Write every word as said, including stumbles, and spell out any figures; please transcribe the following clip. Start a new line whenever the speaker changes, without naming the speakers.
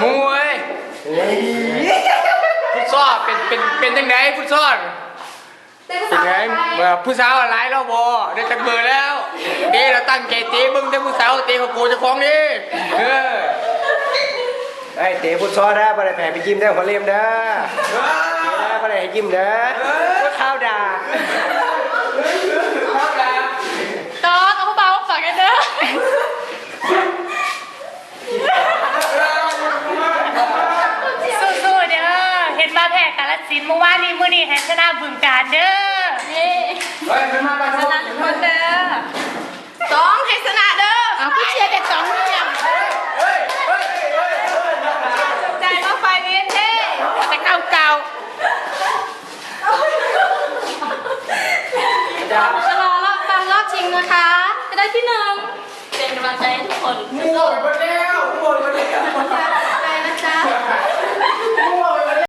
มวยฟุตซอลเป็นเป็นเป็นยังไงฟุตซอลเป็นไงเมื่อผู้สาวอะไรเราบอได้จักเบอร์แล้วเดี๋ยวเราตั้งใจตีมึงแต่ผู้สาวตีเขาโกจะคล้องดิเออ
ไอ้เตะฟุตซอลนะบ่ได้แผ่ไปยิ้มได้หัวเลี้ยมเด้อเตะนะบ่ได้ให้ยิ้มเด้อข้าวด่า
ตอนเอาเบาฝากกันเด้อสู้ๆเด้อเห็นมาแพ้กาลสินเมื่อวานนี้มื้อนี้แฮชนะบึงการเด้อนี่ชนะทุกคนเด้อสองให้ชนะเด้อเอาผู้เชียร์แต่สองเนี่ยใจมาไฟเวียนเท่แต่เก่าเก่าจะรอรอบตามรอบชิงนะคะจะได้ที่หนึ่งเป็นกำลังใจให้ทุกคน